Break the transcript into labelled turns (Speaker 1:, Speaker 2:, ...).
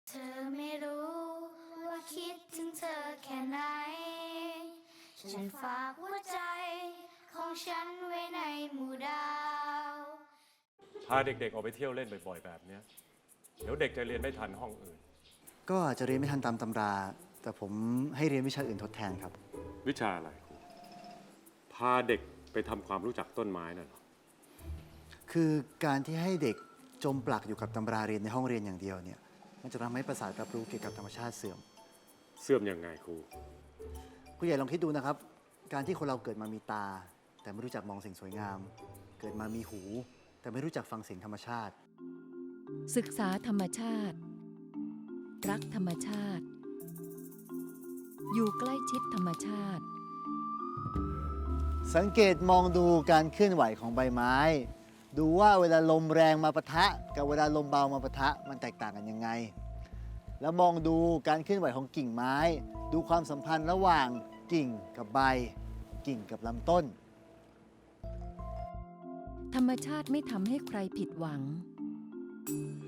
Speaker 1: เธอไม่รู้ว่าคิดถึงเธอแค่ไหน ฉันฝากหัวใจของฉันไว้ในหมู่ดาว
Speaker 2: พาเด็กๆออกไปเที่ยวเล่นบ่อยๆแบบเนี้ยเดี๋ยวเด็กจะเรียนไม่ทันห้องอื่น
Speaker 3: ก็อาจจะเรียนไม่ทันตามตำรา แต่ผมให้เรียนวิชาอื่นทดแทนครับ
Speaker 2: วิชาอะไรครูพาเด็กไปทำความรู้จักต้นไม้น่ะเหรอ
Speaker 3: คือการที่ให้เด็กจมปลักอยู่กับตำราเรียนในห้องเรียนอย่างเดียวเนี่ย มันจะทำให้ประสาทรับรู้เกี่ยวกับธรรมชาติเสื่อม
Speaker 2: เสื่อมยังไงครู
Speaker 3: ผู้ใหญ่ลองคิดดูนะครับ การที่คนเราเกิดมามีตา แต่ไม่รู้จักมองสิ่งสวยงาม เกิดมามีหู แต่ไม่รู้จักฟังเสียงธรรมชาติ
Speaker 4: ศึกษาธรรมชาติ รักธรรมชาติ อยู่ใกล้ชิดธรรมชาติ
Speaker 3: สังเกตมองดูการเคลื่อนไหวของใบไม้ ดูว่าเวลาลมแรงมาปะทะ กับเวลาลมเบามาปะทะมันแตกต่างกันยังไง แล้วมองดูการเคลื่อนไหวของกิ่งไม้ ดูความสัมพันธ์ระหว่างกิ่งกับใบ กิ่งกับลำต้น
Speaker 4: ธรรมชาติไม่ทำให้ใครผิดหวัง